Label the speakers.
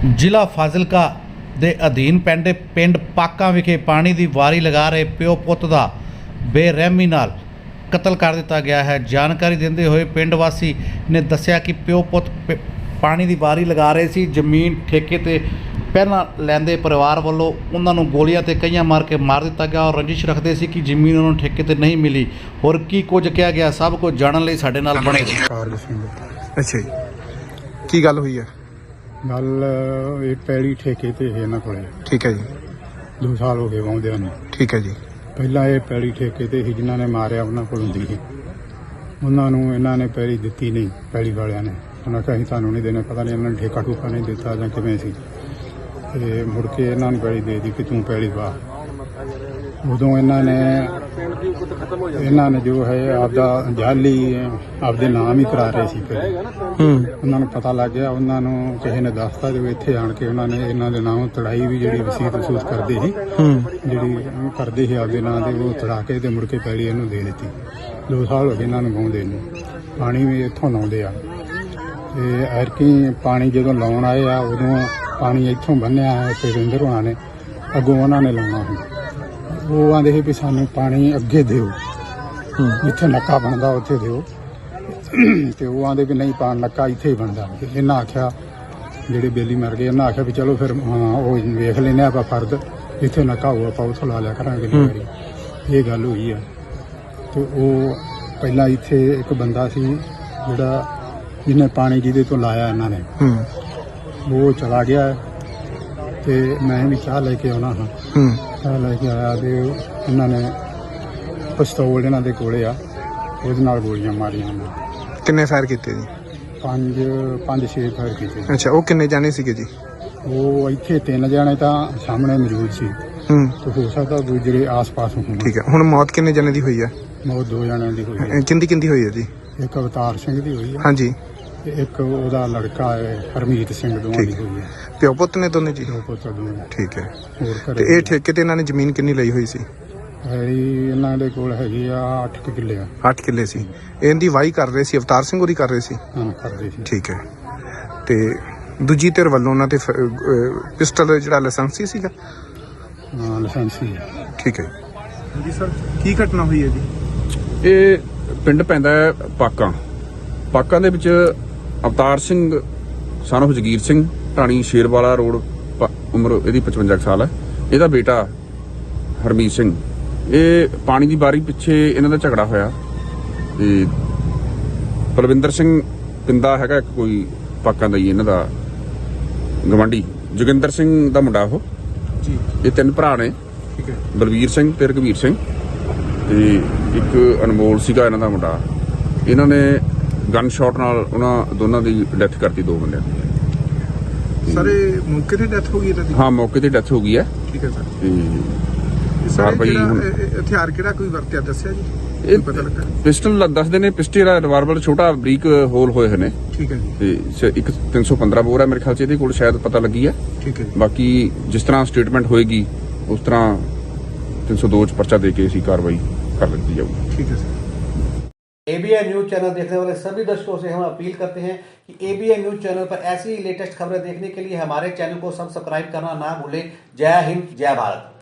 Speaker 1: ਜ਼ਿਲ੍ਹਾ ਫਾਜ਼ਿਲਕਾ ਦੇ ਅਧੀਨ ਪਿੰਡ ਪਾਕਾਂ ਵਿਖੇ ਪਾਣੀ ਦੀ ਵਾਰੀ ਲਗਾ ਰਹੇ ਪਿਓ ਪੁੱਤ ਦਾ ਬੇਰਹਿਮੀ ਨਾਲ ਕਤਲ ਕਰ ਦਿੱਤਾ ਗਿਆ ਹੈ। ਜਾਣਕਾਰੀ ਦਿੰਦੇ ਹੋਏ ਪਿੰਡ ਵਾਸੀ ਨੇ ਦੱਸਿਆ ਕਿ ਪਿਓ ਪੁੱਤ ਪਾਣੀ ਦੀ ਵਾਰੀ ਲਗਾ ਰਹੇ ਸੀ। ਜ਼ਮੀਨ ਠੇਕੇ ਤੇ ਪਹਿਲਾਂ ਲੈਂਦੇ ਪਰਿਵਾਰ ਵੱਲੋਂ ਉਹਨਾਂ ਨੂੰ ਗੋਲੀਆਂ ਤੇ ਕਈਆਂ ਮਾਰ ਕੇ ਮਾਰ ਦਿੱਤਾ ਗਿਆ ਔਰ ਰੰਜਿਸ਼ ਰੱਖਦੇ ਸੀ ਕਿ ਜ਼ਮੀਨ ਉਹਨਾਂ ਨੂੰ ਠੇਕੇ ਤੇ ਨਹੀਂ ਮਿਲੀ। ਹੋਰ ਕੀ ਕੁਝ ਕਿਹਾ ਗਿਆ ਸਭ ਕੁਝ ਜਾਣਨ ਲਈ ਸਾਡੇ ਨਾਲ ਬਣੇ ਰਹੋ।
Speaker 2: ਅੱਛਾ ਜੀ, ਕੀ ਗੱਲ ਹੋਈ ਹੈ?
Speaker 3: ਗੱਲ ਇਹ ਪੈਲੀ ਠੇਕੇ ਤੇ ਹੈ ਇਹਨਾਂ ਕੋਲੇ।
Speaker 2: ਠੀਕ ਹੈ ਜੀ।
Speaker 3: 2 ਸਾਲ ਹੋ ਗਏ ਵਾਉਂਦਿਆਂ ਨੂੰ।
Speaker 2: ਠੀਕ ਹੈ ਜੀ।
Speaker 3: ਪਹਿਲਾਂ ਇਹ ਪੈਲੀ ਠੇਕੇ ਤੇ ਸੀ, ਜਿਨ੍ਹਾਂ ਨੇ ਮਾਰਿਆ ਉਹਨਾਂ ਕੋਲ ਹੁੰਦੀ ਸੀ। ਉਹਨਾਂ ਨੂੰ ਇਹਨਾਂ ਨੇ ਪੈਲੀ ਦਿੱਤੀ ਨਹੀਂ, ਪੈਲੀ ਵਾਲਿਆਂ ਨੇ। ਉਹਨਾਂ ਕਿਹਾ ਅਸੀਂ ਤੁਹਾਨੂੰ ਨਹੀਂ ਦੇਣਾ, ਪਤਾ ਨਹੀਂ ਇਹਨਾਂ ਨੇ ਠੇਕਾ ਠੂਕਾ ਨਹੀਂ ਦਿੱਤਾ ਜਾਂ ਕਿਵੇਂ ਸੀ। ਤੇ ਮੁੜ ਕੇ ਇਹਨਾਂ ਨੂੰ ਪੈਲੀ ਦੇ ਦਿੱਤੀ ਕਿ ਤੂੰ ਪੈਲੀ ਵਾਹ। ਉਦੋਂ ਇਹਨਾਂ ਨੇ ਜੋ ਹੈ ਆਪਦਾ ਜਾਲੀ ਆਪਦੇ ਨਾਮ ਹੀ ਕਰਾ ਰਹੇ ਸੀ। ਫਿਰ ਉਹਨਾਂ ਨੂੰ ਪਤਾ ਲੱਗ ਗਿਆ, ਉਹਨਾਂ ਨੂੰ ਕਿਸੇ ਨੇ ਦੱਸਤਾ ਜੋ ਇੱਥੇ ਆਣ ਕੇ ਉਹਨਾਂ ਨੇ ਇਹਨਾਂ ਦੇ ਨਾਮ ਤੜਾਈ ਵੀ ਜਿਹੜੀ ਵਸੀਅਤ ਵਸੂਤ ਕਰਦੇ ਸੀ, ਜਿਹੜੀ ਕਰਦੇ ਸੀ ਆਪਦੇ ਨਾਂ ਦੇ, ਉਹ ਤੜਾ ਕੇ ਤੇ ਮੁੜ ਕੇ ਪੈਲੀ ਇਹਨੂੰ ਦੇ ਦਿੱਤੀ। 2 ਸਾਲ ਹੋ ਗਏ ਇਹਨਾਂ ਨੂੰ ਗਾਉਂਦੇ ਨੂੰ। ਪਾਣੀ ਵੀ ਇੱਥੋਂ ਲਾਉਂਦੇ ਆ ਤੇ ਐਰਕੀ ਪਾਣੀ ਜਦੋਂ ਲਾਉਣ ਆਏ ਆ ਉਦੋਂ ਪਾਣੀ ਇੱਥੋਂ ਬੰਨਿਆ ਹੈ ਤੇ ਰਿੰਦਰ ਹੋਣਾ ਨੇ ਅੱਗੋਂ ਉਹਨਾਂ ਨੇ ਲਾਉਣਾ ਸੀ। ਉਹ ਆਂਦੇ ਸੀ ਵੀ ਸਾਨੂੰ ਪਾਣੀ ਅੱਗੇ ਦਿਓ, ਜਿੱਥੇ ਨੱਕਾ ਬਣਦਾ ਉੱਥੇ ਦਿਓ। ਤੇ ਉਹ ਆਂਦੇ ਵੀ ਨਹੀਂ, ਪਾਣੀ ਨੱਕਾ ਇੱਥੇ ਹੀ ਬਣਦਾ। ਇਹਨਾਂ ਆਖਿਆ, ਜਿਹੜੇ ਬੇਲੀ ਮਰ ਗਏ, ਇਹਨਾਂ ਆਖਿਆ ਵੀ ਚਲੋ ਫਿਰ ਉਹ ਵੇਖ ਲੈਂਦੇ ਆਪਾਂ ਫਰਦ, ਜਿੱਥੇ ਨੱਕਾ ਹੋਊ ਆਪਾਂ ਉੱਥੋਂ ਲਾ ਲਿਆ ਕਰਾਂਗੇ। ਇਹ ਗੱਲ ਹੋਈ ਆ। ਤੇ ਉਹ ਪਹਿਲਾਂ ਇੱਥੇ ਇੱਕ ਬੰਦਾ ਸੀ ਜਿਹੜਾ ਜਿਹਨੇ ਪਾਣੀ ਜਿਹਦੇ ਤੋਂ ਲਾਇਆ ਇਹਨਾਂ ਨੇ, ਉਹ ਚਲਾ ਗਿਆ ਤੇ ਮੈਂ ਵੀ ਚਾਹ ਲੈ ਕੇ ਆਉਣਾ ਹਾਂ। ਚਾਹ ਲੈ ਕੇ ਆਇਆ ਤੇ ਇਹਨਾਂ ਨੇ ਪਿਸਤੌਲ ਇਹਨਾਂ ਦੇ ਕੋਲੇ ਆ, ਉਹਦੇ ਨਾਲ ਗੋਲੀਆਂ ਮਾਰੀਆਂ ਉਹਨਾਂ।
Speaker 2: ਕਿੰਨੇ ਫਾਇਰ ਕੀਤੇ ਜੀ?
Speaker 3: 5-6 ਫਾਇਰ ਕੀਤੇ।
Speaker 2: ਅੱਛਾ, ਉਹ ਕਿੰਨੇ ਜਾਣੇ ਸੀਗੇ ਜੀ?
Speaker 3: ਉਹ ਇੱਥੇ 3 ਜਣੇ ਤਾਂ ਸਾਹਮਣੇ ਮੌਜੂਦ ਸੀ ਤੇ ਹੋ ਸਕਦਾ ਦੂਜੇ ਆਸ-ਪਾਸ ਹੋਣ।
Speaker 2: ਠੀਕ ਹੈ। ਹੁਣ ਮੌਤ ਕਿੰਨੇ ਜਣੇ ਦੀ ਹੋਈ ਹੈ?
Speaker 3: ਮੌਤ 2 ਜਣਿਆਂ ਦੀ ਹੋਈ ਹੈ।
Speaker 2: ਕਿੰਦੀ ਹੋਈ ਹੈ ਜੀ?
Speaker 3: ਇੱਕ ਅਵਤਾਰ ਸਿੰਘ ਦੀ ਹੋਈ ਹੈ।
Speaker 2: ਹਾਂਜੀ।
Speaker 3: ਤੇ ਇੱਕ ਉਹਦਾ ਲੜਕਾ ਹੈ ਹਰਮੀਤ ਸਿੰਘ, ਦੋਵਾਂ ਦੀ ਹੋਈ ਹੈ।
Speaker 2: ਪਿਓ ਪੁੱਤ ਨੇ ਦੋਨੇ ਜੀ?
Speaker 3: ਪਿਓ ਪੁੱਤ ਦੋਵੇਂ।
Speaker 2: ਠੀਕ ਹੈ।
Speaker 3: ਹੋਰ
Speaker 2: ਤੇ ਇਹ ਠੇਕੇ ਤੇ ਇਹਨਾਂ ਨੇ ਜ਼ਮੀਨ ਕਿੰਨੀ ਲਈ ਹੋਈ ਸੀ?
Speaker 3: ਇਹਨਾਂ ਦੇ ਕੋਲ ਹੈਗੀ ਆ 8 ਕਿੱਲੇ ਆ।
Speaker 2: 8 ਕਿੱਲੇ ਸੀ। ਇਹਦੀ ਵਾਹੀ ਕਰ ਰਹੇ ਸੀ, ਅਵਤਾਰ ਸਿੰਘ ਹੋਰੀ ਕਰ ਰਹੇ ਸੀ?
Speaker 3: ਹਾਂ, ਕਰਦੇ ਸੀ।
Speaker 2: ਠੀਕ ਹੈ। ਤੇ ਦੂਜੀ ਧਿਰ ਵੱਲੋਂ ਉਹਨਾਂ ਤੇ ਪਿਸਟਲ ਜਿਹੜਾ ਲਾਇਸੈਂਸੀ ਸੀਗਾ?
Speaker 3: ਹਾਂ, ਲਾਇਸੈਂਸੀ ਹੈ।
Speaker 2: ਠੀਕ ਹੈ ਜੀ ਸਰ, ਕੀ ਘਟਨਾ ਹੋਈ ਹੈ ਜੀ?
Speaker 4: ਇਹ ਪਿੰਡ ਪੈਂਦਾ ਹੈ ਪਾਕਾਂ ਦੇ ਵਿੱਚ Avtar Singh son of Jagir Singh, Dhani Sherwala road, ਉਮਰ ਇਹਦੀ 55 ਸਾਲ ਹੈ। ਇਹਦਾ ਬੇਟਾ ਹਰਮੀਤ ਸਿੰਘ, ਇਹ ਪਾਣੀ ਦੀ ਬਾਰੀ ਪਿੱਛੇ ਇਹਨਾਂ ਦਾ ਝਗੜਾ ਹੋਇਆ ਤੇ ਬਲਵਿੰਦਰ ਸਿੰਘ ਪਿੰਦਾ ਹੈਗਾ ਇੱਕ ਕੋਈ ਪਾਕਾਂ ਦਾ ਹੀ ਇਹਨਾਂ ਦਾ ਗਵਾਂਢੀ, ਜੋਗਿੰਦਰ ਸਿੰਘ ਦਾ ਮੁੰਡਾ ਉਹ ਜੀ। ਇਹ 3 ਭਰਾ ਨੇ।
Speaker 2: ਠੀਕ ਹੈ।
Speaker 4: ਬਲਵੀਰ ਸਿੰਘ ਤੇ ਰਘਵੀਰ ਸਿੰਘ ਤੇ ਇੱਕ ਅਨਮੋਲ ਸੀਗਾ ਇਹਨਾਂ ਦਾ ਮੁੰਡਾ। ਇਹਨਾਂ ਨੇ ਗਨ ਸ਼ਾਟ ਨਾਲ ਉਹਨਾਂ ਦੋਨਾਂ ਦੀ ਡੈਥ ਕਰਤੀ, 2 ਬੰਦਿਆਂ ਦੀ।
Speaker 2: ਸਰ ਇਹ ਮੌਕੇ ਤੇ ਡੈਥ ਹੋ ਗਈ ਇਹਨਾਂ ਦੀ?
Speaker 4: ਹਾਂ, ਮੌਕੇ ਤੇ ਡੈਥ ਹੋ ਗਈ ਹੈ।
Speaker 2: ਠੀਕ ਹੈ ਸਰ।
Speaker 4: ਤੇ
Speaker 2: ਸਰ
Speaker 4: ਭਾਈ
Speaker 2: ਹਥਿਆਰ ਕਿਹੜਾ ਕੋਈ ਵਰਤਿਆ ਦੱਸਿਆ ਜੀ?
Speaker 4: ਇਹ ਪਿਸਟਲ ਦੱਸਦੇ ਨੇ, ਪਿਸਟਲ ਰਿਵਾਲਵਰ ਛੋਟਾ ਬਰੀਕ ਹੋਲ ਹੋਏ ਹੋਏ ਨੇ।
Speaker 2: ਠੀਕ ਹੈ ਜੀ।
Speaker 4: ਤੇ ਇੱਕ 315 ਬੋਰ ਹੈ ਮੇਰੇ ਖਿਆਲ 'ਚ ਇਹਦੇ ਕੋਲ, ਸ਼ਾਇਦ ਪਤਾ ਲੱਗੀ ਹੈ।
Speaker 2: ਠੀਕ ਹੈ।
Speaker 4: ਬਾਕੀ ਜਿਸ ਤਰ੍ਹਾਂ ਸਟੇਟਮੈਂਟ ਹੋਏਗੀ ਉਸ ਤਰ੍ਹਾਂ 302 ਚ ਪਰਚਾ दे के ऐसी कार्रवाई कर ली जाएगी।
Speaker 2: ठीक है सर।
Speaker 1: ABN न्यूज चैनल देखने वाले सभी दर्शकों से हम अपील करते हैं कि ABN न्यूज चैनल पर ऐसी लेटेस्ट खबरें देखने के लिए हमारे चैनल को सब्सक्राइब करना ना भूलें। जय हिंद, जय भारत।